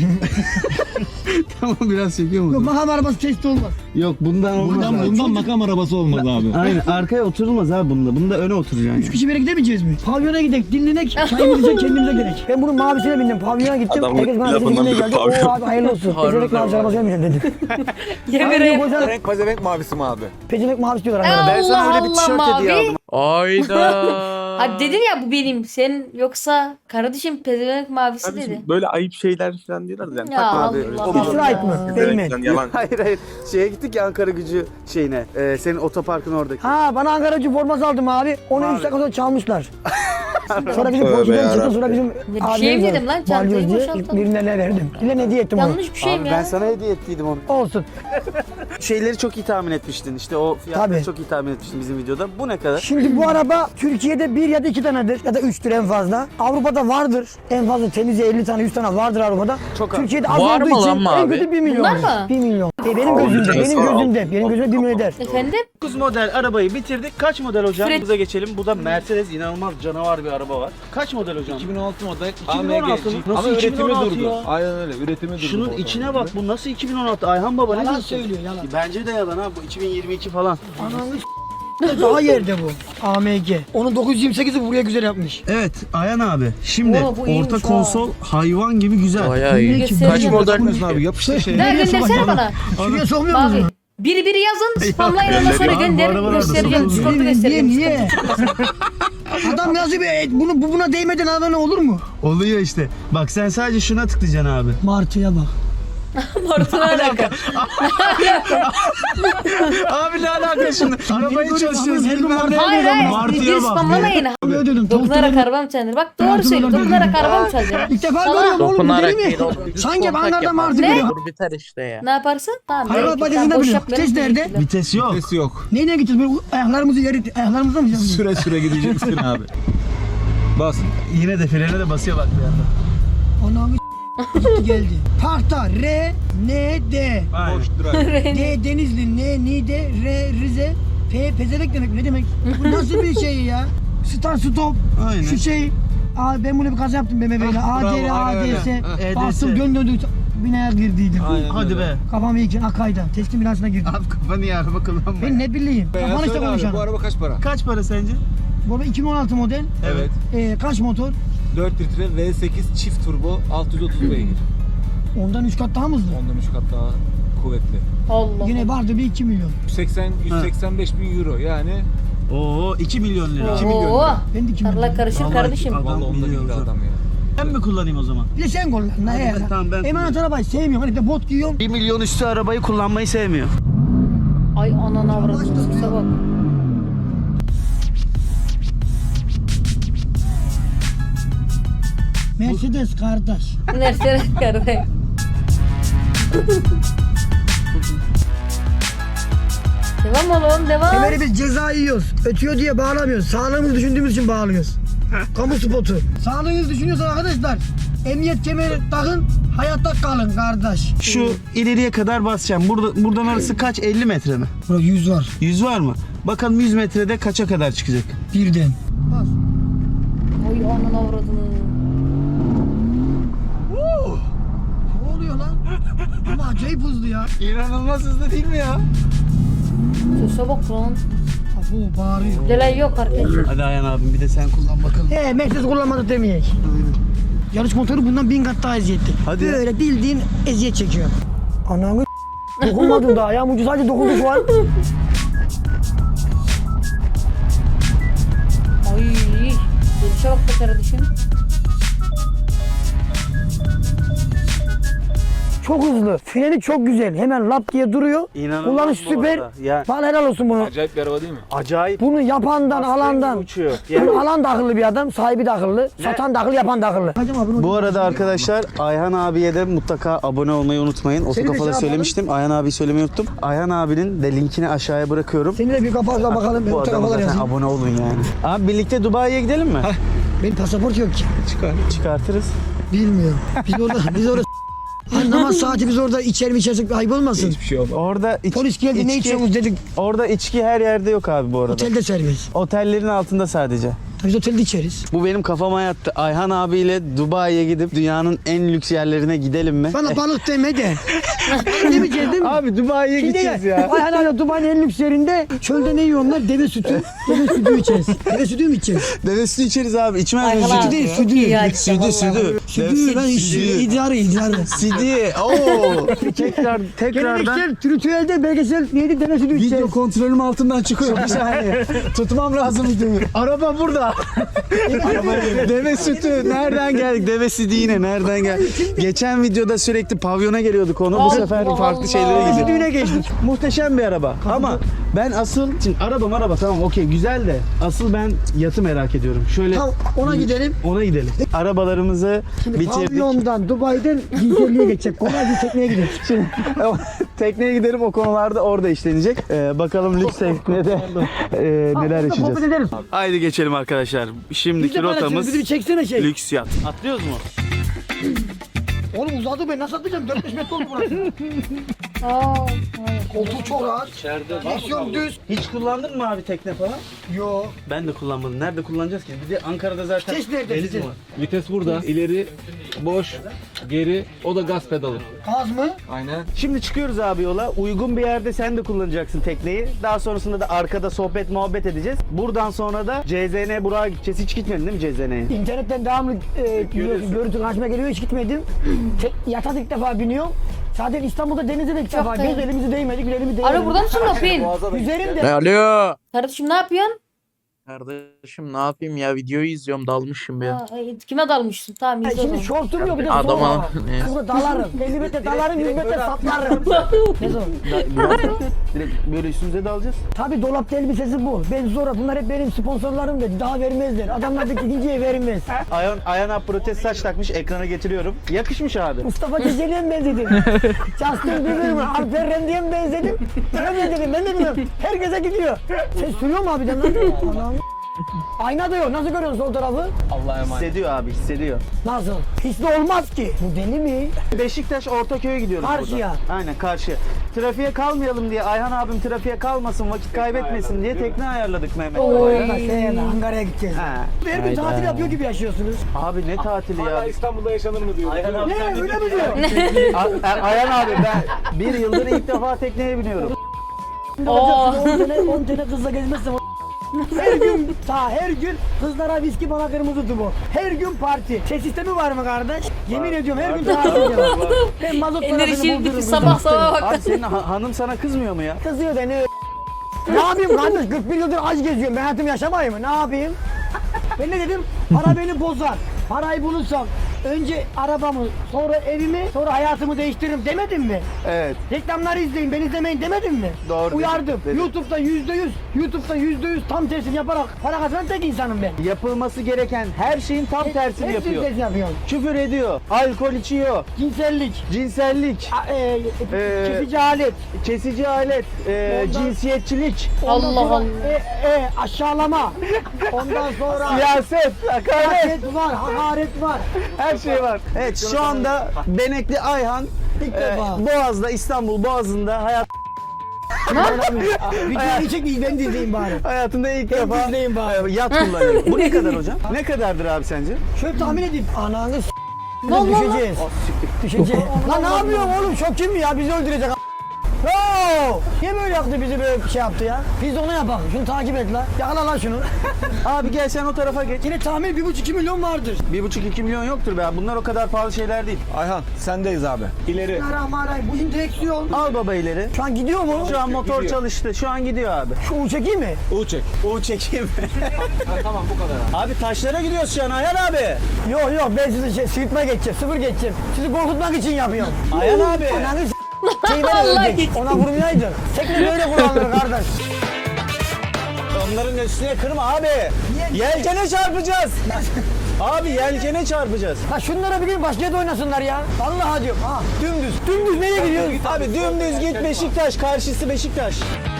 [SPEAKER 3] Tamam biraz çekiyor mu?
[SPEAKER 2] Yok makam arabası testi olmaz.
[SPEAKER 3] Yok bundan olmaz abi.
[SPEAKER 5] makam arabası olmaz abi.
[SPEAKER 3] Aynen arkaya oturulmaz abi bunda. Bunda öne oturacaksın.
[SPEAKER 2] Üç kişi bir yere gidemeyeceğiz mi? Pavyona gidelim, dinlenek, çayımızı içelim, kendimize gerek. Ben bunun mavisine bindim, pavyona gittim.
[SPEAKER 4] Adamın
[SPEAKER 2] Herkes bana
[SPEAKER 4] lafından
[SPEAKER 2] sekizinle
[SPEAKER 4] bir
[SPEAKER 2] geldi.
[SPEAKER 4] pavyon.
[SPEAKER 2] Oo abi hayırlı olsun. Pezevenk mavisi arabası vermeyeceğim dedim.
[SPEAKER 1] Yemin
[SPEAKER 2] Abi
[SPEAKER 1] ederim.
[SPEAKER 2] kocan
[SPEAKER 5] Renk pezevenk mavisi mi abi?
[SPEAKER 2] pezevenk mavisi diyorlar.
[SPEAKER 1] Allah
[SPEAKER 2] Ankara'da.
[SPEAKER 3] Ben sana öyle bir tişört
[SPEAKER 1] Allah
[SPEAKER 3] hediye
[SPEAKER 1] mavi.
[SPEAKER 3] aldım.
[SPEAKER 4] Ayda.
[SPEAKER 1] Abi dedin ya bu benim. Sen yoksa kardeşim pezevenk mavisi dedi.
[SPEAKER 4] Kardeşim, böyle ayıp şeyler falan diyorlar yani.
[SPEAKER 1] Ya
[SPEAKER 4] Takma
[SPEAKER 1] Allah
[SPEAKER 4] abi.
[SPEAKER 1] Allah.
[SPEAKER 4] O bizim-
[SPEAKER 2] Copyright mı?
[SPEAKER 4] Evet,
[SPEAKER 2] Değmen.
[SPEAKER 4] yani yalan.
[SPEAKER 3] Hayır hayır. Şeye gittik ya Ankara Gücü şeyine. Ee, senin otoparkın oradaki.
[SPEAKER 2] Ha bana Ankara Gücü forması aldım abi. Onu
[SPEAKER 3] Mavi.
[SPEAKER 2] üç dakika sonra çalmışlar. sonra bizim
[SPEAKER 4] Tövbe
[SPEAKER 2] polisden
[SPEAKER 4] yarabbim.
[SPEAKER 2] çıktı sonra bizim
[SPEAKER 1] bir şey mi dedim lan? Çantayı
[SPEAKER 2] balyoz diye
[SPEAKER 1] boşalttım.
[SPEAKER 2] birine ne verdim. Birine hediye ettim onu.
[SPEAKER 1] Yanlış bir şey
[SPEAKER 3] Abi
[SPEAKER 1] mi
[SPEAKER 3] ben
[SPEAKER 1] ya?
[SPEAKER 3] sana hediye ettiydim onu.
[SPEAKER 2] Olsun.
[SPEAKER 3] Şeyleri çok iyi tahmin etmiştin. İşte o fiyatları
[SPEAKER 2] Tabii.
[SPEAKER 3] çok iyi tahmin etmiştin bizim videoda. Bu ne kadar?
[SPEAKER 2] Şimdi bu araba Türkiye'de bir ya da iki tanedir ya da üçtür en fazla. Avrupa'da vardır. En fazla temizce elli tane yüz tane vardır Avrupa'da.
[SPEAKER 3] Çok az.
[SPEAKER 2] Türkiye'de az
[SPEAKER 4] Var
[SPEAKER 2] olduğu
[SPEAKER 4] mı
[SPEAKER 2] için
[SPEAKER 4] lan
[SPEAKER 2] en
[SPEAKER 4] mavi?
[SPEAKER 2] kötü bir milyon.
[SPEAKER 1] Bunlar mı?
[SPEAKER 2] bir milyon. E, benim
[SPEAKER 4] Aa,
[SPEAKER 2] gözümde,
[SPEAKER 4] canısı
[SPEAKER 2] benim
[SPEAKER 4] var.
[SPEAKER 2] gözümde, benim gözümde bir milyon eder.
[SPEAKER 1] Efendim?
[SPEAKER 3] dokuz model arabayı bitirdik. Kaç model hocam?
[SPEAKER 1] Fred-
[SPEAKER 3] Buza geçelim. Bu da Mercedes inanılmaz canavar bir araba var. Kaç model hocam?
[SPEAKER 5] iki bin on altı model
[SPEAKER 3] iki bin on altı mı?
[SPEAKER 5] A M G.
[SPEAKER 3] Nasıl
[SPEAKER 5] Ama
[SPEAKER 3] iki bin on altı
[SPEAKER 5] üretimi durdu.
[SPEAKER 3] ya?
[SPEAKER 5] Aynen öyle üretimi durdu.
[SPEAKER 3] Şunun
[SPEAKER 5] bu
[SPEAKER 3] içine
[SPEAKER 5] otomobilde.
[SPEAKER 3] bak. Bu nasıl iki bin on altı? Ayhan baba ne
[SPEAKER 2] Yalan
[SPEAKER 3] diyorsun?
[SPEAKER 2] söylüyor, yalan.
[SPEAKER 3] Bence de yalan ha. Bu iki bin yirmi iki falan.
[SPEAKER 2] Ananı s- daha yerde bu. A M G. Onun dokuz yüz yirmi sekizi buraya güzel yapmış.
[SPEAKER 3] Evet Ayhan abi. Şimdi
[SPEAKER 1] Oo, bu iyiymiş
[SPEAKER 3] orta
[SPEAKER 1] ha.
[SPEAKER 3] konsol hayvan gibi güzel.
[SPEAKER 4] Bayağı iyi.
[SPEAKER 1] Göstereceğim.
[SPEAKER 4] Kaç model?
[SPEAKER 5] Bakmıyorsun abi yapıştır şey.
[SPEAKER 1] Ne
[SPEAKER 2] Nereye
[SPEAKER 1] göndersene
[SPEAKER 2] sokacağım?
[SPEAKER 1] bana.
[SPEAKER 2] Şuraya sokmuyor
[SPEAKER 1] Mavi.
[SPEAKER 2] musun?
[SPEAKER 1] Biri biri yazın spamlayın ondan sonra
[SPEAKER 3] Abi, bu
[SPEAKER 1] gönder
[SPEAKER 3] arabalar da
[SPEAKER 1] göstereceğim.
[SPEAKER 3] satılmıyor.
[SPEAKER 1] Discord'da
[SPEAKER 2] Niye,
[SPEAKER 1] göstereceğim.
[SPEAKER 2] niye? Adam yazıyor bir et, bunu bu buna değmeden abone olur mu?
[SPEAKER 3] Oluyor işte. Bak sen sadece şuna tıklayacaksın abi.
[SPEAKER 2] Martıya bak.
[SPEAKER 1] Martı'na alaka.
[SPEAKER 3] Abi ne alaka şimdi? Arabayı çalışıyoruz.
[SPEAKER 2] Her gün
[SPEAKER 3] bilmem ne.
[SPEAKER 1] Hayır hayır.
[SPEAKER 3] Martıya
[SPEAKER 1] Video
[SPEAKER 3] bak.
[SPEAKER 1] spamlamayın.
[SPEAKER 2] Ne ödedim?
[SPEAKER 1] Dokunarak arabam çalınır. Bak doğru söylüyor. Dokunarak arabam çalınır.
[SPEAKER 2] İlk defa
[SPEAKER 1] Salak.
[SPEAKER 2] görüyorum oğlum bu
[SPEAKER 6] Dokunarak
[SPEAKER 2] deli mi?
[SPEAKER 6] değil oğlum. Düz
[SPEAKER 2] Sanki
[SPEAKER 6] kontak
[SPEAKER 2] banlarda
[SPEAKER 6] yapar.
[SPEAKER 2] martı
[SPEAKER 1] Ne?
[SPEAKER 2] görüyor.
[SPEAKER 6] Dur biter işte ya.
[SPEAKER 1] Ne yaparsın? Tamam.
[SPEAKER 2] Hayvan
[SPEAKER 1] belki.
[SPEAKER 2] bacasında
[SPEAKER 1] Tamam, boş
[SPEAKER 2] bile.
[SPEAKER 1] yapmayalım.
[SPEAKER 2] Vites nerede?
[SPEAKER 1] Teşekkürler.
[SPEAKER 3] Vites yok.
[SPEAKER 5] Vites yok.
[SPEAKER 2] Neyle gideceğiz böyle ayaklarımızı yere ayaklarımızla mı gideceğiz?
[SPEAKER 5] Süre süre gideceksin abi. Bas.
[SPEAKER 3] Yine de frene de basıyor bak bir yandan.
[SPEAKER 2] Anamı gitti geldi. Parkta R, N, D.
[SPEAKER 3] Aynen.
[SPEAKER 5] Boş drive.
[SPEAKER 2] D Denizli, N, Niğde, R, Rize, P, pezevenk demek. Ne demek? Bu nasıl bir şey ya? Start stop.
[SPEAKER 3] Aynen.
[SPEAKER 2] Şu şey. Aa, ben bunu bir kaza yaptım B M W'yle.
[SPEAKER 5] Ah,
[SPEAKER 2] A, D,
[SPEAKER 5] bravo,
[SPEAKER 2] A,
[SPEAKER 5] aynen
[SPEAKER 2] D, S.
[SPEAKER 5] öyle.
[SPEAKER 3] Ah, E D S.
[SPEAKER 2] Bastım dön döndü. Binaya girdiydim.
[SPEAKER 5] Aynen
[SPEAKER 3] Hadi
[SPEAKER 5] öyle.
[SPEAKER 3] be.
[SPEAKER 2] Kafam iyiken Akay'da. Teslim binasına girdim.
[SPEAKER 3] Abi kafanı ya araba kullanma.
[SPEAKER 2] Ben ne bileyim.
[SPEAKER 5] Ya
[SPEAKER 2] Kafanı işte
[SPEAKER 5] söyle abi,
[SPEAKER 2] konuşalım.
[SPEAKER 5] bu araba kaç para?
[SPEAKER 3] Kaç para sence?
[SPEAKER 2] Bu araba iki bin on altı model.
[SPEAKER 5] Evet.
[SPEAKER 2] Ee, kaç motor?
[SPEAKER 5] dört litre V sekiz çift turbo altı yüz otuz beygir.
[SPEAKER 2] Ondan üç kat daha mı hızlı?
[SPEAKER 5] Ondan üç kat daha kuvvetli.
[SPEAKER 1] Allah.
[SPEAKER 2] Yine vardı bir iki milyon.
[SPEAKER 5] yüz seksen yüz seksen beş bin euro yani
[SPEAKER 3] Oo iki milyon lira.
[SPEAKER 5] iki milyon
[SPEAKER 1] Oo.
[SPEAKER 5] lira.
[SPEAKER 2] Ben de iki milyon.
[SPEAKER 1] Allah karışır
[SPEAKER 3] Vallahi
[SPEAKER 1] kardeşim.
[SPEAKER 3] adam
[SPEAKER 5] Vallahi onda
[SPEAKER 3] biliyor
[SPEAKER 5] gitti
[SPEAKER 3] hocam.
[SPEAKER 5] adam ya.
[SPEAKER 3] Ben mi kullanayım o zaman?
[SPEAKER 2] Bir de sen kullan. Ne ya?
[SPEAKER 3] ben- tamam, ben
[SPEAKER 2] Emanet arabayı sevmiyorum. Hani bir de bot giyiyorum.
[SPEAKER 3] bir milyon üstü arabayı kullanmayı sevmiyor.
[SPEAKER 1] Ay anana avradım. Sese bak.
[SPEAKER 2] Mercedes kardeş.
[SPEAKER 1] Nerede kardeş? Devam oğlum devam.
[SPEAKER 2] Kemeri biz ceza yiyoruz. Ötüyor diye bağlamıyoruz. Sağlığımızı düşündüğümüz için bağlıyoruz. Kamu spotu. Sağlığınızı düşünüyorsan arkadaşlar emniyet kemeri takın, hayatta kalın kardeş.
[SPEAKER 3] Şu ileriye kadar basacağım. Burada buradan arası kaç? elli metre mi?
[SPEAKER 2] Burada yüz var.
[SPEAKER 3] yüz var mı? Bakalım yüz metrede kaça kadar çıkacak?
[SPEAKER 2] Birden. Bas.
[SPEAKER 1] Ay anana avradını.
[SPEAKER 2] acayip hızlı ya.
[SPEAKER 3] İnanılmaz hızlı değil mi ya?
[SPEAKER 1] Sese bak lan.
[SPEAKER 2] Bu bağırıyor.
[SPEAKER 1] Delay yok arkadaşlar.
[SPEAKER 3] Hadi Ayhan abim bir de sen kullan bakalım.
[SPEAKER 2] He Mercedes kullanmadı demeyek. Yarış motoru bundan bin kat daha eziyetli.
[SPEAKER 3] Hadi ya.
[SPEAKER 2] Böyle bildiğin eziyet çekiyor. Ananı dokunmadın daha ayağım ucu sadece dokundu şu an.
[SPEAKER 1] Ay. Gelişe bak be kardeşim.
[SPEAKER 2] Çok hızlı. Freni çok güzel. Hemen lap diye duruyor.
[SPEAKER 3] İnanılmaz
[SPEAKER 2] Kullanış
[SPEAKER 3] bu
[SPEAKER 2] süper.
[SPEAKER 3] arada. Ya.
[SPEAKER 2] Bana helal olsun bunu.
[SPEAKER 5] Acayip bir araba değil mi?
[SPEAKER 3] Acayip.
[SPEAKER 2] Bunu yapandan,
[SPEAKER 3] Aslan gibi
[SPEAKER 2] alandan.
[SPEAKER 3] uçuyor. Yani-
[SPEAKER 2] Bunu alan da akıllı bir adam, sahibi de akıllı. Satan da akıllı, yapan da akıllı.
[SPEAKER 3] Bu arada arkadaşlar Ayhan abiye de mutlaka abone olmayı unutmayın.
[SPEAKER 2] Seni de
[SPEAKER 3] Otokafada
[SPEAKER 2] şey
[SPEAKER 3] söylemiştim. Ayhan abi söylemeyi unuttum. Ayhan abinin de linkini aşağıya bırakıyorum.
[SPEAKER 2] Seni de bir kapakla bakalım. Ben
[SPEAKER 3] Bu
[SPEAKER 2] bu
[SPEAKER 3] adama
[SPEAKER 2] tarafalar
[SPEAKER 3] zaten
[SPEAKER 2] yazayım.
[SPEAKER 3] abone olun yani. Abi birlikte Dubai'ye gidelim mi?
[SPEAKER 2] Benim pasaport yok ki.
[SPEAKER 3] Çıkartırız.
[SPEAKER 2] Bilmiyorum. Biz orada, biz orada Hani namaz saati biz orada içer mi içersek ayıp olmasın.
[SPEAKER 5] Hiçbir şey olmaz.
[SPEAKER 3] Orada iç-
[SPEAKER 2] Polis geldi ne
[SPEAKER 3] içki-
[SPEAKER 2] içiyorsunuz dedik.
[SPEAKER 3] Orada içki her yerde yok abi bu arada.
[SPEAKER 2] Otelde servis.
[SPEAKER 3] Otellerin altında sadece.
[SPEAKER 2] Biz otelde içeriz.
[SPEAKER 3] Bu benim kafama yattı. Ayhan abiyle Dubai'ye gidip dünyanın en lüks yerlerine gidelim mi?
[SPEAKER 2] Bana balık deme de. Demeyeceğiz değil mi?
[SPEAKER 3] Abi Dubai'ye
[SPEAKER 2] Şimdi
[SPEAKER 3] gideceğiz
[SPEAKER 2] ya.
[SPEAKER 3] ya.
[SPEAKER 2] Ayhan hala Dubai'nin en lüks yerinde çölde ne yiyorlar? Deve sütü. Deve sütü içeceğiz. Deve sütü mü içeceğiz?
[SPEAKER 3] Deve sütü içeriz abi. İçmez
[SPEAKER 1] Ayhan
[SPEAKER 3] miyiz?
[SPEAKER 1] abi.
[SPEAKER 2] Sütü değil,
[SPEAKER 1] Çok
[SPEAKER 2] sütü.
[SPEAKER 1] iyi ya işte,
[SPEAKER 3] Sütü,
[SPEAKER 1] vallahi.
[SPEAKER 3] sütü.
[SPEAKER 2] Sütü lan idrarı idrarı.
[SPEAKER 3] Sidi. Oo. Tekrar tekrardan
[SPEAKER 2] Geleneksel, tritüelde, belgesel neydi? Deve sütü içeceğiz.
[SPEAKER 3] video kontrolüm altından çıkıyor. Bir saniye. Tutmam lazım videoyu. Araba burada. Deve sütü. Nereden geldik? Deve sütü yine. Nereden geldik? Geçen videoda sürekli pavyona geliyorduk onu. Bu
[SPEAKER 1] Allah
[SPEAKER 3] sefer farklı
[SPEAKER 1] Allah.
[SPEAKER 3] şeylere gidiyoruz.
[SPEAKER 2] Sütüne geçtik.
[SPEAKER 3] Muhteşem bir araba. Ama ben asıl şimdi araba araba tamam okey güzel de asıl ben yatı merak ediyorum. Şöyle
[SPEAKER 2] Tamam, ona gidelim.
[SPEAKER 3] ona gidelim. Arabalarımızı
[SPEAKER 2] Şimdi
[SPEAKER 3] bitirdik.
[SPEAKER 2] pavyondan, Dubai'den cinselliğe geçecek. Kolay bir tekneye gidelim.
[SPEAKER 3] Şimdi tekneye gidelim o konularda orada işlenecek. Ee, bakalım lüks teknede e, neler
[SPEAKER 2] Sohbet
[SPEAKER 3] yaşayacağız.
[SPEAKER 2] ederiz.
[SPEAKER 3] Haydi geçelim arkadaşlar.
[SPEAKER 2] Biz
[SPEAKER 3] Şimdiki
[SPEAKER 2] de paylaşırız.
[SPEAKER 3] rotamız
[SPEAKER 2] Bizi bir çeksene şey.
[SPEAKER 3] lüks yat. Atlıyoruz mu?
[SPEAKER 2] Oğlum uzadı be. Nasıl atlayacağım? dört beş metre oldu burası.
[SPEAKER 1] Aa.
[SPEAKER 2] Koltuğu çok rahat.
[SPEAKER 3] İçeride
[SPEAKER 2] Direksiyon düz.
[SPEAKER 3] Hiç kullandın mı abi tekne falan?
[SPEAKER 2] Yo.
[SPEAKER 3] Ben de kullanmadım. Nerede kullanacağız ki? Bir de Ankara'da zaten
[SPEAKER 2] Vites nerede,
[SPEAKER 3] deniz
[SPEAKER 2] vites?
[SPEAKER 3] mi var?
[SPEAKER 5] Vites burada. İleri boş, geri o da gaz pedalı.
[SPEAKER 2] Gaz mı?
[SPEAKER 5] Aynen.
[SPEAKER 3] Şimdi çıkıyoruz abi yola. Uygun bir yerde sen de kullanacaksın tekneyi. Daha sonrasında da arkada sohbet muhabbet edeceğiz. Buradan sonra da C Z N Burak'a gideceğiz. Hiç gitmedin değil mi C Z N'ye?
[SPEAKER 2] İnternetten devamlı e, görüntü karşıma geliyor. Hiç gitmedim. Tek, yata ilk defa biniyorum. Zaten İstanbul'da denize de ilk defa.
[SPEAKER 1] da iyi.
[SPEAKER 2] Göz elimizi değmedik, bir elimi değmedik.
[SPEAKER 1] Alo burada mısın Lopin?
[SPEAKER 2] Üzerim de.
[SPEAKER 4] Alo.
[SPEAKER 1] Kardeşim ne yapıyorsun?
[SPEAKER 4] Kardeşim ne yapayım ya videoyu izliyorum dalmışım ya.
[SPEAKER 1] Ha, ay, kime dalmışsın? Tamam
[SPEAKER 2] Ha,
[SPEAKER 1] izle o
[SPEAKER 2] Şimdi
[SPEAKER 1] zaman.
[SPEAKER 2] şortum yok bir de
[SPEAKER 4] Adama
[SPEAKER 2] soğuk hava.
[SPEAKER 4] ne?
[SPEAKER 2] Kızı dalarım. elli metre dalarım, yüz metre saplarım. Ne zor?
[SPEAKER 3] Direkt böyle üstümüze de alacağız.
[SPEAKER 2] Tabii dolapta elbisesi bu. Ben zor. Bunlar hep benim sponsorlarım dedi. Daha vermezler. Adamlar da ikinciye vermez.
[SPEAKER 3] Ayhan, Ayhan abi protez saç takmış. Ekrana getiriyorum. Yakışmış abi.
[SPEAKER 2] Mustafa Ceceli'ye mi benzedim? Justin Bieber'e mi? Alper Rendi'ye mi benzedim? Ben benzedim. Ben de bilmiyorum. Herkese gidiyor. Ses sürüyor mu abiden lan? Anam. Ayna da yok. Nasıl görüyorsun sol tarafı?
[SPEAKER 3] Hissediyor abi hissediyor.
[SPEAKER 2] Nasıl? Hisli olmaz ki. Bu deli mi?
[SPEAKER 3] Beşiktaş Ortaköy'e gidiyoruz
[SPEAKER 2] Karşıya.
[SPEAKER 3] buradan. Aynen karşıya. Trafiğe kalmayalım diye Ayhan abim trafiğe kalmasın vakit kaybetmesin diye tekne ayarladık Mehmet.
[SPEAKER 1] Oy.
[SPEAKER 2] Bak sen Ankara'ya gideceğiz.
[SPEAKER 3] Ha.
[SPEAKER 2] Her gün tatil yapıyor gibi yaşıyorsunuz.
[SPEAKER 3] Abi ne tatili ya.
[SPEAKER 5] İstanbul'da yaşanır mı diyor.
[SPEAKER 2] Ne öyle mi diyor?
[SPEAKER 3] A- A- Ayhan abi ben bir yıldır ilk defa tekneye biniyorum.
[SPEAKER 2] on tane, on tane kızla gezmezsem her gün, ta her gün kızlara viski bana kırmızı tubu. Her gün parti. Ses sistemi var mı kardeş? Yemin ediyorum her gün tatil yapıyorum. Ben mazot parasını
[SPEAKER 1] Enerji
[SPEAKER 2] buldururum.
[SPEAKER 1] sabah sabah bak.
[SPEAKER 3] Abi senin ha- hanım sana kızmıyor mu ya?
[SPEAKER 2] Kızıyor beni. Ne yapayım kardeş? kırk bir yıldır aç geziyorum. Ben hayatımı yaşamayayım mı? Ne yapayım? Ben ne dedim? Para beni bozar. Parayı bulursam önce arabamı, sonra evimi, sonra hayatımı değiştiririm demedim mi?
[SPEAKER 3] Evet.
[SPEAKER 2] Reklamları izleyin, ben izlemeyin demedim mi?
[SPEAKER 3] Doğru
[SPEAKER 2] Uyardım.
[SPEAKER 3] dedin, dedin.
[SPEAKER 2] YouTube'da yüzde yüz, YouTube'da yüzde yüz tam tersini yaparak para kazanan tek insanım ben.
[SPEAKER 3] Yapılması gereken her şeyin tam tersini
[SPEAKER 2] Hepsini
[SPEAKER 3] yapıyor.
[SPEAKER 2] tersini yapıyorum.
[SPEAKER 3] Küfür ediyor, alkol içiyor,
[SPEAKER 2] Cinsellik,
[SPEAKER 3] cinsellik,
[SPEAKER 2] a- e,
[SPEAKER 3] Ee,
[SPEAKER 2] kesici alet,
[SPEAKER 3] kesici alet, e,
[SPEAKER 2] Ondan-
[SPEAKER 3] cinsiyetçilik,
[SPEAKER 2] ondan
[SPEAKER 1] Allah
[SPEAKER 2] sonra
[SPEAKER 1] Allah.
[SPEAKER 2] E, e, aşağılama, ondan sonra
[SPEAKER 3] siyaset, hakaret,
[SPEAKER 2] hakaret var, hakaret var.
[SPEAKER 3] her şey var. Evet şu anda Benekli Ayhan
[SPEAKER 2] İlk
[SPEAKER 3] e,
[SPEAKER 2] defa.
[SPEAKER 3] Boğaz'da, İstanbul Boğazı'nda hayat
[SPEAKER 2] Videoyu çek ben de izleyeyim bari.
[SPEAKER 3] hayatında ilk
[SPEAKER 2] Ben
[SPEAKER 3] defa
[SPEAKER 2] izleyeyim bari.
[SPEAKER 3] e, yat kullanıyor. Bu ne kadar hocam? Ne kadardır abi sence?
[SPEAKER 2] Şöyle tahmin edeyim. Ananı s-
[SPEAKER 1] Ne oldu lan?
[SPEAKER 2] Düşeceğiz. Düşeceğiz. Lan ne yapıyorsun oğlum? Şok kim ya? Bizi öldürecek. No! Niye böyle yaptı bizi böyle bir şey yaptı ya? Biz de ona yapalım. Şunu takip et lan. Yakala lan şunu.
[SPEAKER 3] Abi gel sen o tarafa geç.
[SPEAKER 2] Yine tahmin bir buçuk iki milyon vardır.
[SPEAKER 3] Bir buçuk iki milyon yoktur be. Bunlar o kadar pahalı şeyler değil.
[SPEAKER 5] Ayhan sendeyiz abi. İleri.
[SPEAKER 2] Bismillahirrahmanirrahim. Bu direksiyon.
[SPEAKER 3] Al baba ileri.
[SPEAKER 2] Şu an gidiyor mu?
[SPEAKER 3] Şu an motor
[SPEAKER 5] Gidiyor.
[SPEAKER 3] çalıştı. Şu an gidiyor abi.
[SPEAKER 2] Şu U çekeyim mi?
[SPEAKER 5] U çek.
[SPEAKER 3] U çekeyim.
[SPEAKER 5] Ha, tamam bu kadar abi.
[SPEAKER 3] Abi taşlara gidiyoruz şu an Ayhan abi.
[SPEAKER 2] Yok yok ben sizi şey, sıyırtma geçeceğim. Sıfır geçeceğim. Sizi korkutmak için yapıyorum.
[SPEAKER 3] Ayhan abi.
[SPEAKER 2] Ananı s*** şeyler
[SPEAKER 1] Vallahi
[SPEAKER 2] ölecek.
[SPEAKER 1] hiç.
[SPEAKER 2] Ona vurmayaydın. Tekne böyle kullanılır kardeş.
[SPEAKER 3] Onların üstüne kırma abi. Yelkene çarpacağız. Abi yelkene çarpacağız.
[SPEAKER 2] Ha şunlara bir gün başka yerde oynasınlar ya. Vallahi diyorum. Ha dümdüz. Dümdüz nereye gidiyoruz?
[SPEAKER 3] Abi dümdüz git Beşiktaş. Karşısı Beşiktaş.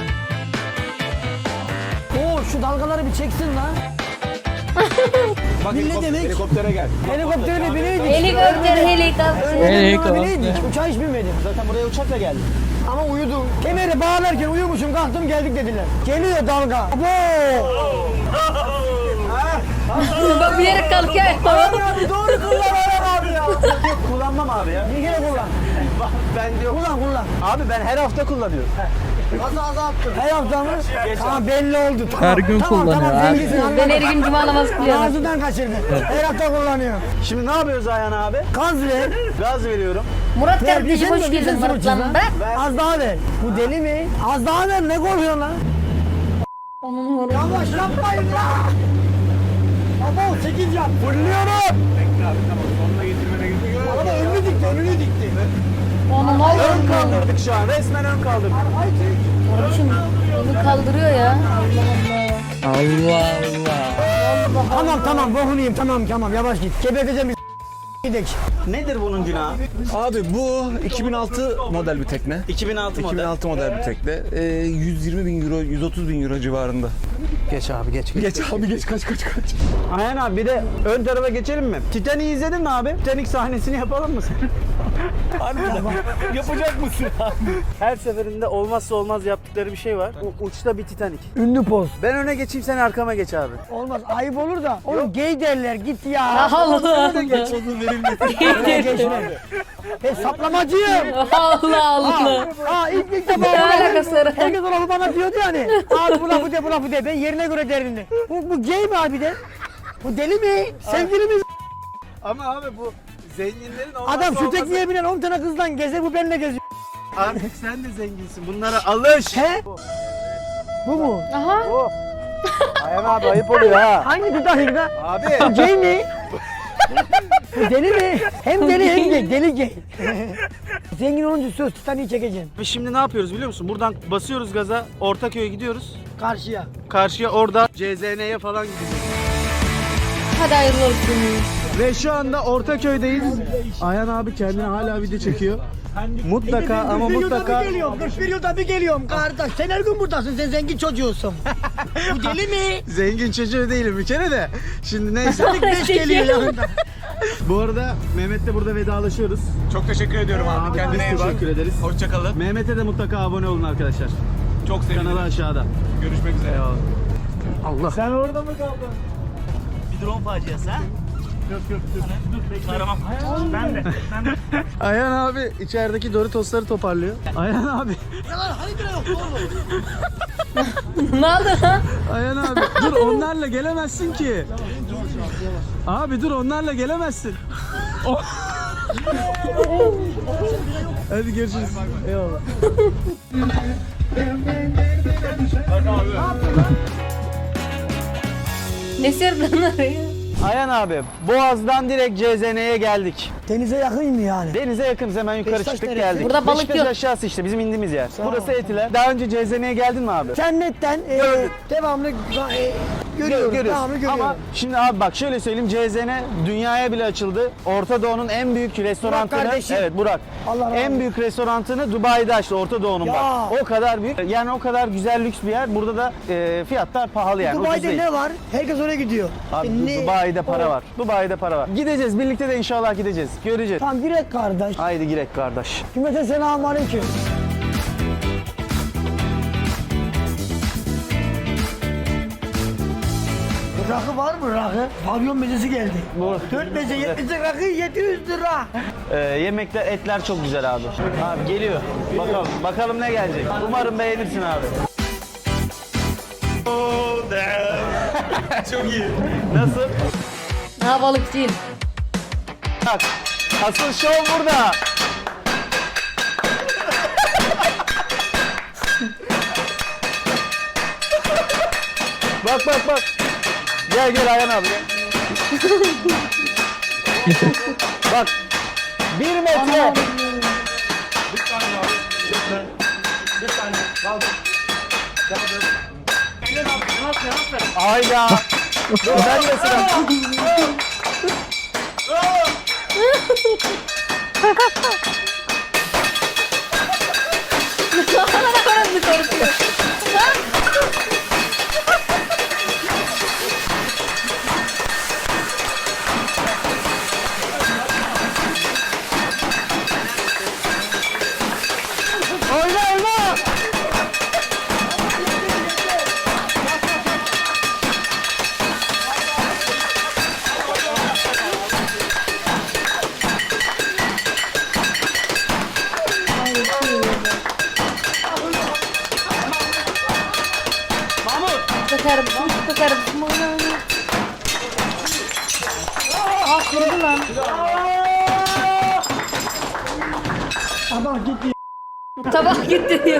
[SPEAKER 2] Oo şu dalgaları bir çeksin lan.
[SPEAKER 5] Bak,
[SPEAKER 2] Ne
[SPEAKER 5] helikopter-
[SPEAKER 2] demek?
[SPEAKER 5] Helikoptere gel.
[SPEAKER 2] Helikoptere bineydik.
[SPEAKER 1] Helikopter helikopter.
[SPEAKER 2] Helikopter bineydik. Uçağa hiç binmedim.
[SPEAKER 3] Zaten buraya uçakla geldim.
[SPEAKER 2] Ama uyudum. Kemeri bağlarken uyumuşum kalktım geldik dediler. Geliyor dalga. Abo!
[SPEAKER 1] Bak bir yere kalkıyor.
[SPEAKER 2] Abi doğru kullan Ayhan abi ya.
[SPEAKER 3] Kullanmam abi ya.
[SPEAKER 2] Bir kere kullan.
[SPEAKER 3] Ben diyor.
[SPEAKER 2] Kullan kullan.
[SPEAKER 3] Abi ben her hafta kullanıyorum.
[SPEAKER 2] Nasıl azalttın? Her hafta mı? Tamam belli oldu. Tamam,
[SPEAKER 4] Her gün
[SPEAKER 2] tamam,
[SPEAKER 4] kullanıyor
[SPEAKER 2] Tamam
[SPEAKER 4] abi.
[SPEAKER 2] zenginsin
[SPEAKER 1] Ben
[SPEAKER 2] anladım.
[SPEAKER 1] her gün cuma namazı kılıyorum.
[SPEAKER 2] Ağzından kaçırdı. Her hafta kullanıyor.
[SPEAKER 3] Şimdi ne yapıyoruz Ayhan abi?
[SPEAKER 2] Gaz ver.
[SPEAKER 3] Gaz veriyorum.
[SPEAKER 1] Murat
[SPEAKER 2] Ver,
[SPEAKER 1] kardeşim hoş
[SPEAKER 2] bir
[SPEAKER 1] geldin
[SPEAKER 2] şey
[SPEAKER 1] Murat
[SPEAKER 2] soracağım
[SPEAKER 1] lan.
[SPEAKER 2] ha.
[SPEAKER 1] Bırak.
[SPEAKER 2] Az daha ver. Bu deli mi? Az daha ver. Ne korkuyorsun lan?
[SPEAKER 1] Onun uğru.
[SPEAKER 2] Yavaş yapmayın ya. Abo sekiz yap. Fırlıyorum. Araba önünü dikti, önünü dikti.
[SPEAKER 1] Onun
[SPEAKER 3] Ön
[SPEAKER 1] oğlum.
[SPEAKER 3] kaldırdık şu an. Resmen ön kaldırdık.
[SPEAKER 2] Ay çek.
[SPEAKER 1] Kardeşim onu kaldırıyor ya. Allah Allah.
[SPEAKER 4] Allah Allah.
[SPEAKER 2] Tamam tamam bokunu yiyeyim tamam tamam yavaş git. Geberteceğim bir gidek.
[SPEAKER 3] Nedir bunun günahı?
[SPEAKER 5] Abi bu iki bin altı model bir tekne.
[SPEAKER 3] iki bin altı model.
[SPEAKER 5] iki bin altı model bir tekne. Ee, yüz yirmi bin euro, yüz otuz bin euro civarında.
[SPEAKER 3] Geç abi geç.
[SPEAKER 5] Geç abi geç kaç kaç kaç.
[SPEAKER 3] Ayhan abi bir de ön tarafa geçelim mi? Titanic'i izledin mi abi? Titanic sahnesini yapalım mı sen?
[SPEAKER 5] Yapacak mısın abi?
[SPEAKER 3] Her seferinde olmazsa olmaz yaptıkları bir şey var. U- uçta bir Titanic.
[SPEAKER 2] Ünlü poz.
[SPEAKER 3] Ben öne geçeyim sen arkama geç abi.
[SPEAKER 2] Olmaz ayıp olur da. Oğlum gay derler git ya.
[SPEAKER 1] Allah Allah.
[SPEAKER 2] Oraya geçme. Ben saplamacıyım.
[SPEAKER 1] Allah Allah.
[SPEAKER 2] Aa ilk ilk defa
[SPEAKER 1] Ne alakası var?
[SPEAKER 2] herkes o lafı bana diyordu yani. Abi bu lafı de bu lafı de. Ben yerine göre derini. Bu, bu gay mi abi de? Bu deli mi? Sevgili mi?
[SPEAKER 3] Ama abi bu zenginlerin olmazsa
[SPEAKER 2] Adam şu
[SPEAKER 3] olmazı.
[SPEAKER 2] tekneye binen on tane kızdan gezer bu benimle geziyor.
[SPEAKER 3] Artık sen de zenginsin. Bunlara alış.
[SPEAKER 2] He? Bu mu?
[SPEAKER 1] Aha.
[SPEAKER 3] Bu. Ayhan abi ayıp oluyor ha.
[SPEAKER 2] Hangi Titanic'da?
[SPEAKER 3] Abi.
[SPEAKER 2] Bu gay mi? Bu deli mi? Hem deli hem gay. Deli gay. Zengin olunca söz Titanic'i çekeceğim.
[SPEAKER 3] Biz şimdi ne yapıyoruz biliyor musun? Buradan basıyoruz gaza. Ortaköy'e gidiyoruz.
[SPEAKER 2] Karşıya.
[SPEAKER 3] Karşıya orada C Z N'ye falan gideceğiz.
[SPEAKER 1] Hadi hayırlı olsun.
[SPEAKER 3] Ve şu anda Ortaköy'deyiz. Ayhan abi kendine hala video çekiyor. Mutlaka ama mutlaka
[SPEAKER 2] bir geliyorum. kırk bir yılda bir geliyorum kardeş. Sen her gün buradasın. Sen zengin çocuğusun. Bu deli mi?
[SPEAKER 3] zengin çocuğu değilim bir kere de. Şimdi neyse.
[SPEAKER 2] Beş geliyor yanında.
[SPEAKER 3] Bu arada Mehmet'le burada vedalaşıyoruz.
[SPEAKER 5] Çok teşekkür ediyorum abi.
[SPEAKER 3] Abi,
[SPEAKER 5] Kendine
[SPEAKER 3] biz
[SPEAKER 5] iyi bak.
[SPEAKER 3] teşekkür ederiz.
[SPEAKER 5] Hoşçakalın.
[SPEAKER 3] Mehmet'e de mutlaka abone olun arkadaşlar.
[SPEAKER 5] Çok sevinirim.
[SPEAKER 3] Kanalı aşağıda.
[SPEAKER 5] Görüşmek üzere.
[SPEAKER 3] Allah.
[SPEAKER 2] Sen orada mı kaldın?
[SPEAKER 6] Bir drone faciası ha? Yok yok dur. Dur aramam. Ben de. Ben de.
[SPEAKER 3] Ayhan abi içerideki Doritos'ları toparlıyor. Ayhan abi.
[SPEAKER 1] Ne oldu lan?
[SPEAKER 3] Ayhan abi dur onlarla gelemezsin ki. Abi dur onlarla gelemezsin. Hadi görüşürüz. Eyvallah.
[SPEAKER 1] Ne sırdın oraya?
[SPEAKER 3] Ayhan abi Boğaz'dan direkt C Z N'ye geldik.
[SPEAKER 2] Denize yakın mı yani?
[SPEAKER 3] Denize yakınız hemen yukarı
[SPEAKER 2] Beşiktaş
[SPEAKER 3] çıktık
[SPEAKER 2] neresi?
[SPEAKER 3] geldik.
[SPEAKER 1] Burada balık
[SPEAKER 3] Beşiktaş
[SPEAKER 1] yok.
[SPEAKER 3] aşağısı işte bizim indiğimiz yer.
[SPEAKER 2] ol.
[SPEAKER 3] Burası Etiler. Daha önce C Z N'ye geldin mi abi?
[SPEAKER 2] İnternetten e, devamlı e, görüyoruz.
[SPEAKER 3] Görüyoruz.
[SPEAKER 2] Devamlı görüyoruz.
[SPEAKER 3] Ama şimdi abi bak şöyle söyleyeyim C Z N dünyaya bile açıldı. Orta Doğu'nun en büyük restorantını
[SPEAKER 2] kardeşim.
[SPEAKER 3] evet Burak.
[SPEAKER 2] Allah razı
[SPEAKER 3] en
[SPEAKER 2] olsun.
[SPEAKER 3] büyük restorantını Dubai'de açtı Orta Doğu'nun
[SPEAKER 2] Ya.
[SPEAKER 3] bak. O kadar büyük. Yani o kadar güzel lüks bir yer. Burada da e, fiyatlar pahalı yani. ucuz
[SPEAKER 2] Dubai'de
[SPEAKER 3] değil.
[SPEAKER 2] ne var? Herkes oraya gidiyor.
[SPEAKER 3] Abi
[SPEAKER 2] E, ne?
[SPEAKER 3] Dubai'de para
[SPEAKER 2] O-
[SPEAKER 3] var. Dubai'de para var. Gideceğiz birlikte de inşallah gideceğiz. Göreceğiz.
[SPEAKER 2] Tamam direkt kardeş.
[SPEAKER 3] Haydi girek kardeş.
[SPEAKER 2] Cümleten selamun aleyküm. rakı var mı rakı? Pavyon mezesi geldi. Dört meze yetmiş rakı yedi yüz lira.
[SPEAKER 3] Ee, yemekler, etler çok güzel abi. Abi geliyor. Bakalım, bakalım ne gelecek. Umarım beğenirsin abi.
[SPEAKER 6] Çok iyi.
[SPEAKER 3] Nasıl?
[SPEAKER 1] Ha balık değil.
[SPEAKER 3] Bak, asıl şov burada. Bak bak bak. Gel gel Ayhan abi gel. Bak. Bir metre. Hayda. Dur ben de sıra. Oyna oyna.
[SPEAKER 1] Bakar mısın? Bakar mısın? Aa kırdı lan.
[SPEAKER 2] Tabak gitti.
[SPEAKER 1] Tabak gitti diyor.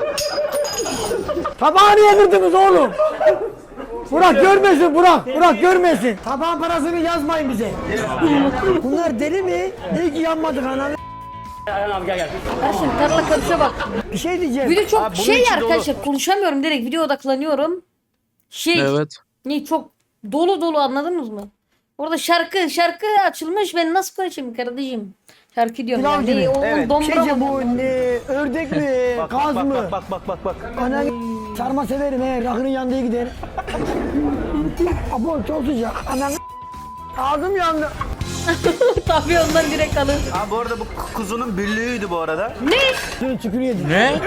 [SPEAKER 2] Tabağı niye kırdınız oğlum? Burak görmesin Burak. Burak görmesin. Tabağın parasını yazmayın bize. Bunlar deli mi? Ne ki yanmadık ananı.
[SPEAKER 1] Kardeşim tarla karışa bak.
[SPEAKER 2] Bir şey diyeceğim.
[SPEAKER 1] Video çok
[SPEAKER 3] Abi bunun
[SPEAKER 1] şey
[SPEAKER 3] içi
[SPEAKER 1] arkadaşlar konuşamıyorum direkt video odaklanıyorum. Şey
[SPEAKER 4] Evet.
[SPEAKER 1] ne çok dolu dolu anladınız mı? Orada şarkı şarkı açılmış ben nasıl konuşayım kardeşim? Şarkı diyorum
[SPEAKER 2] Pilav
[SPEAKER 1] yani.
[SPEAKER 2] gibi.
[SPEAKER 1] Ne, o
[SPEAKER 3] Evet.
[SPEAKER 1] dombra
[SPEAKER 2] Şeyce
[SPEAKER 1] mı?
[SPEAKER 2] bu ne, ördek mi,
[SPEAKER 3] Bak
[SPEAKER 2] kaz
[SPEAKER 3] bak
[SPEAKER 2] mı?
[SPEAKER 3] bak bak bak bak bak.
[SPEAKER 2] Ananı sarma severim he, rakının yandığı gider. Abo çok sıcak. Ananı ağzım yandı.
[SPEAKER 1] Tabii ondan direkt alır.
[SPEAKER 3] Abi bu arada bu kuzunun büllüğüydü bu arada.
[SPEAKER 1] Ne?
[SPEAKER 2] Şunu çükür yedim.
[SPEAKER 4] Ne?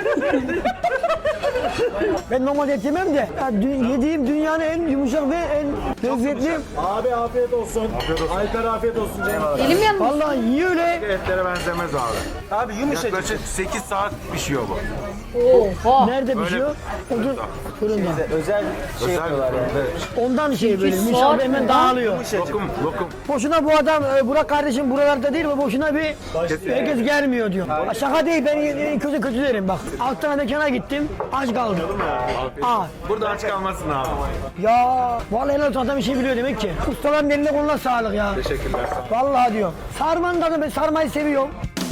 [SPEAKER 2] Ben normalde et yemem de ya, dü- yediğim dünyanın en yumuşak ve en lezzetli.
[SPEAKER 7] Abi afiyet olsun. Afiyet olsun. Alper afiyet olsun Cem.
[SPEAKER 1] Elim yanmış.
[SPEAKER 2] Vallahi yiyor öyle.
[SPEAKER 7] Etlere benzemez abi.
[SPEAKER 3] Abi yumuşacık.
[SPEAKER 7] Yaklaşık sekiz saat pişiyor bu.
[SPEAKER 1] Oha.
[SPEAKER 2] Nerede pişiyor? Odun fırında.
[SPEAKER 3] Özel şey yapıyorlar yani.
[SPEAKER 2] Ondan şey böyle
[SPEAKER 1] Sekiz
[SPEAKER 2] yumuşak
[SPEAKER 1] saat
[SPEAKER 2] ve hemen
[SPEAKER 1] mi?
[SPEAKER 2] dağılıyor.
[SPEAKER 7] Lokum, lokum.
[SPEAKER 2] Boşuna bu adam e, Burak kardeşim buralarda değil ve boşuna bir herkes gelmiyor diyor. Ha, şaka değil ben en kötü kötü derim bak. Alt tane mekana gittim aç kaldım. Aa,
[SPEAKER 7] Burada aç kalmasın abi.
[SPEAKER 2] ya vallahi helal olsun adam bir şey biliyor demek ki. Ustaların eline koluna sağlık ya.
[SPEAKER 7] Teşekkürler.
[SPEAKER 2] Vallahi diyor. Sarmanın tadı ben sarmayı seviyorum.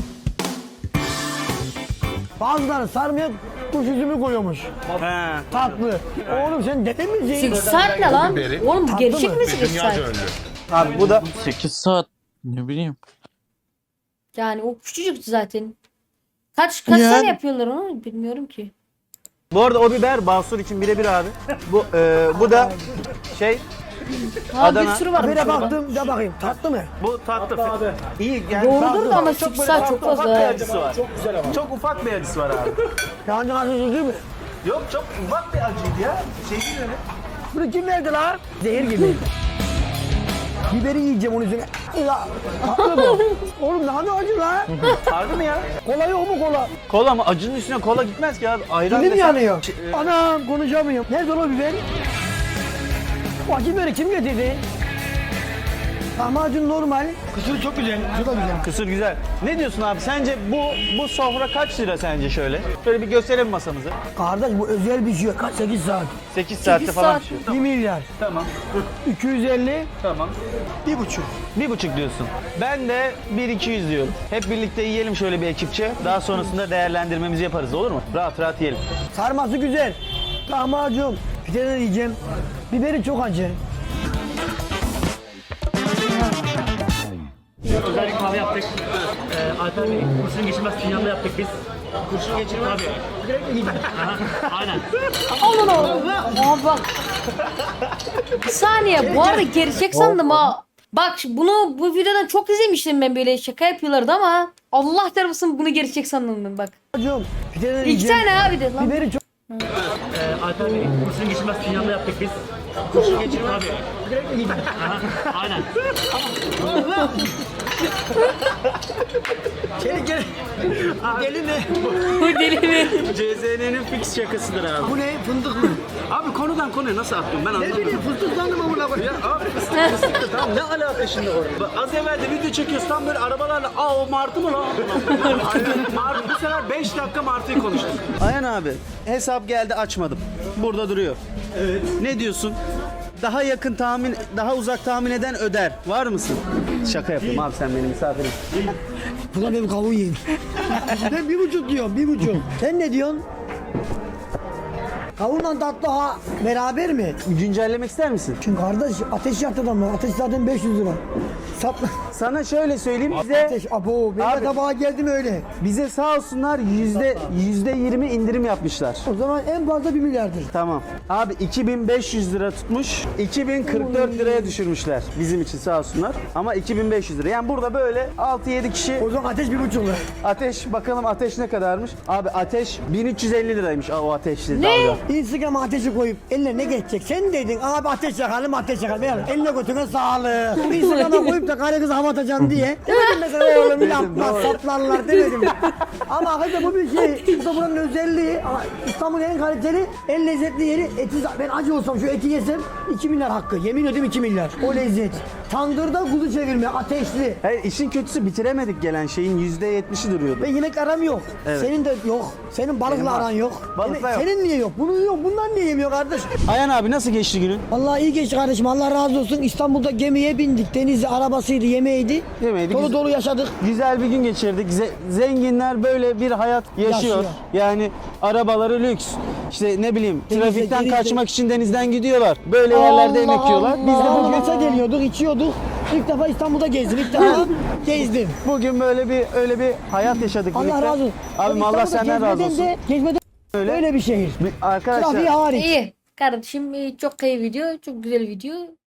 [SPEAKER 2] Bazıları sarmaya kuş üzümü koyuyormuş.
[SPEAKER 3] He.
[SPEAKER 2] Tatlı. Oğlum sen dede misin?
[SPEAKER 1] sekiz saat ne lan? Oğlum bu gerçek
[SPEAKER 2] mı?
[SPEAKER 1] mi sekiz saat?
[SPEAKER 3] Abi bu da
[SPEAKER 4] sekiz saat. Ne bileyim.
[SPEAKER 1] Yani o küçücük zaten. Kaç kaç
[SPEAKER 4] Yani.
[SPEAKER 1] tane yapıyorlar onu bilmiyorum ki.
[SPEAKER 3] bu arada o biber Basur için birebir abi. Bu e, bu da şey
[SPEAKER 1] Ha
[SPEAKER 3] Adana.
[SPEAKER 1] bir sürü var.
[SPEAKER 2] Habere baktım da bakayım tatlı mı?
[SPEAKER 3] bu tatlı. İyi yani
[SPEAKER 1] Doğrudur
[SPEAKER 3] tatlı.
[SPEAKER 1] da ama
[SPEAKER 3] Çok
[SPEAKER 1] sekiz
[SPEAKER 3] böyle
[SPEAKER 1] saat çok
[SPEAKER 3] ufak
[SPEAKER 1] fazla.
[SPEAKER 3] bir acısı var. Çok güzel ama. Çok ufak bir acısı var abi.
[SPEAKER 2] Yancı nasıl değil mi?
[SPEAKER 3] Yok çok ufak bir acıydı ya. Şey değil öyle.
[SPEAKER 2] Bunu kim verdi lan? Zehir gibi. Biberi yiyeceğim onun üzerine. Ya, tatlı bu. Oğlum ne kadar acı lan?
[SPEAKER 3] Harbi mi ya?
[SPEAKER 2] Kola yok mu kola?
[SPEAKER 3] Kola mı? Acının üstüne kola gitmez ki abi. Ayran
[SPEAKER 2] Dilim
[SPEAKER 3] desen-
[SPEAKER 2] yanıyor.
[SPEAKER 3] Şey, e,
[SPEAKER 2] Anam konuşamıyorum. Nerede o biber? O acı biberi kim getirdi? Lahmacun normal. Kısır çok güzel. Şu da güzel.
[SPEAKER 3] Kısır güzel. Ne diyorsun abi? Sence bu bu sofra kaç lira sence şöyle? Şöyle bir gösterelim masamızı.
[SPEAKER 2] Kardeş bu özel bir şey. Kaç sekiz saat.
[SPEAKER 3] sekiz saatte
[SPEAKER 1] sekiz
[SPEAKER 3] falan
[SPEAKER 1] saat.
[SPEAKER 3] pişiyor.
[SPEAKER 2] bir milyar.
[SPEAKER 3] Tamam.
[SPEAKER 2] iki yüz elli.
[SPEAKER 3] Tamam.
[SPEAKER 2] Bir buçuk.
[SPEAKER 3] Bir buçuk diyorsun. Ben de bir iki yüz diyorum. Hep birlikte yiyelim şöyle bir ekipçe. Daha sonrasında değerlendirmemizi yaparız olur mu? Rahat rahat yiyelim.
[SPEAKER 2] Sarması güzel. Lahmacun. Bir de ne diyeceğim? Biberi çok acı.
[SPEAKER 6] Özel bir kahve yaptık. Ee, Alper Bey, kurşun geçirmez fincanla yaptık biz. Kurşun geçirmez. Tabii. Aha, aynen.
[SPEAKER 1] Alın oğlum. Aa bak. Bir saniye bu arada gerçek sandım ha. Bak bunu bu videodan çok izlemiştim ben böyle şaka yapıyorlardı ama Allah tarafısın bunu gerçek sandım ben bak.
[SPEAKER 2] Lahmacun. Bir de ne
[SPEAKER 1] İki
[SPEAKER 2] diyeceğim?
[SPEAKER 1] tane abi de lan.
[SPEAKER 2] Biberi çok
[SPEAKER 6] Ee, Alper Bey, kurşun geçirmez sinyalda yaptık biz. Kurşun geçirmez abi. Direkt mi gidelim? Aynen.
[SPEAKER 2] Gel gel. Gelin ne?
[SPEAKER 1] Bu deli mi?
[SPEAKER 3] C Z N'nin fix şakasıdır abi.
[SPEAKER 2] Bu ne? Fındık mı?
[SPEAKER 3] Abi konudan konuya nasıl attın ben
[SPEAKER 2] Ne
[SPEAKER 3] anlamadım.
[SPEAKER 2] bileyim fıstık sandım amına koyayım.
[SPEAKER 3] Abi fıstık fıstık da tamam ne alaka şimdi orada? Bak, az evvel de video çekiyoruz tam böyle arabalarla aa o martı mı lan? Martı bu sefer beş dakika martıyı konuştuk. Ayhan abi hesap geldi açmadım. Burada duruyor. Evet. Ne diyorsun? Daha yakın tahmin, daha uzak tahmin eden öder. Var mısın? Şaka yapayım abi sen benim misafirim.
[SPEAKER 2] Bu da benim kavun yiyeyim. Ben bir buçuk diyorum, bir buçuk. Sen ne diyorsun? Kavunla tatlı ha beraber mi?
[SPEAKER 3] Güncellemek ister misin?
[SPEAKER 2] Çünkü kardeş ateş yaktı adamlar. Ateş zaten beş yüz lira. Sapla.
[SPEAKER 3] Sana şöyle söyleyeyim bize
[SPEAKER 2] Ateş abo. Benim
[SPEAKER 3] Abi-
[SPEAKER 2] de tabağa geldim öyle.
[SPEAKER 3] bize sağ olsunlar yüzde yüzde yirmi indirim yapmışlar.
[SPEAKER 2] O zaman en fazla bir milyardır.
[SPEAKER 3] Tamam. Abi iki bin beş yüz lira tutmuş. iki bin kırk dört liraya düşürmüşler. Bizim için sağ olsunlar. Ama iki bin beş yüz lira. Yani burada böyle altı yedi kişi
[SPEAKER 2] O zaman ateş bir buçuk lira.
[SPEAKER 3] ateş bakalım ateş ne kadarmış? Abi ateş bin üç yüz elli liraymış o ateşli dalga.
[SPEAKER 2] Instagram'a ateşi koyup eline ne geçecek? Sen dedin abi ateş yakalım ateş yakalım. Yani eline götüne sağlık. Instagram'a koyup da karı kızı hava atacaksın diye. Demedim mesela oğlum yapma saplarlar demedim. Ama hakikaten bu bir şey. Bu da buranın özelliği. Ama İstanbul'un en kaliteli, en lezzetli yeri. Eti, ben acı olsam şu eti yesem iki milyar hakkı. Yemin ediyorum iki milyar. O lezzet. Tandırda kuzu çevirme ateşli.
[SPEAKER 3] Hayır işin kötüsü bitiremedik gelen şeyin yüzde yetmişi duruyordu.
[SPEAKER 2] Ve yemek aram yok.
[SPEAKER 3] Evet.
[SPEAKER 2] Senin de yok. Senin balıkla
[SPEAKER 3] Benim var.
[SPEAKER 2] aran yok.
[SPEAKER 3] Balıkla
[SPEAKER 2] Senin-
[SPEAKER 3] yok.
[SPEAKER 2] Senin niye yok? Bunun yok. Bunlar niye yemiyor kardeş?
[SPEAKER 3] Ayhan abi nasıl geçti günün?
[SPEAKER 2] Vallahi iyi geçti kardeşim. Allah razı olsun. İstanbul'da gemiye bindik. Denizli arabasıydı, yemeğiydi.
[SPEAKER 3] Yemeğiydi,
[SPEAKER 2] Dolu
[SPEAKER 3] güzel.
[SPEAKER 2] dolu yaşadık.
[SPEAKER 3] Güzel bir gün geçirdik. Ze- zenginler böyle bir hayat yaşıyor.
[SPEAKER 2] Yaşıyor.
[SPEAKER 3] Yani arabaları lüks. İşte ne bileyim
[SPEAKER 2] Denizde,
[SPEAKER 3] trafikten
[SPEAKER 2] denizde.
[SPEAKER 3] kaçmak için denizden gidiyorlar. Böyle yerlerde yemek yiyorlar.
[SPEAKER 2] Biz de bu maça geliyorduk, içiyorduk. İlk defa İstanbul'da gezdim. İlk defa gezdim.
[SPEAKER 3] Bugün böyle bir öyle bir hayat yaşadık
[SPEAKER 2] Allah
[SPEAKER 3] birlikte.
[SPEAKER 2] razı olsun.
[SPEAKER 3] Abim Allah
[SPEAKER 2] İstanbul'da
[SPEAKER 3] senden razı
[SPEAKER 2] gezmeden
[SPEAKER 3] olsun.
[SPEAKER 2] De, gezmeden
[SPEAKER 3] Öyle.
[SPEAKER 2] öyle bir şehir.
[SPEAKER 3] Bir- Arkadaşlar
[SPEAKER 2] Trafiği hariç.
[SPEAKER 1] İyi. Kardeşim e, çok iyi video. Çok güzel video.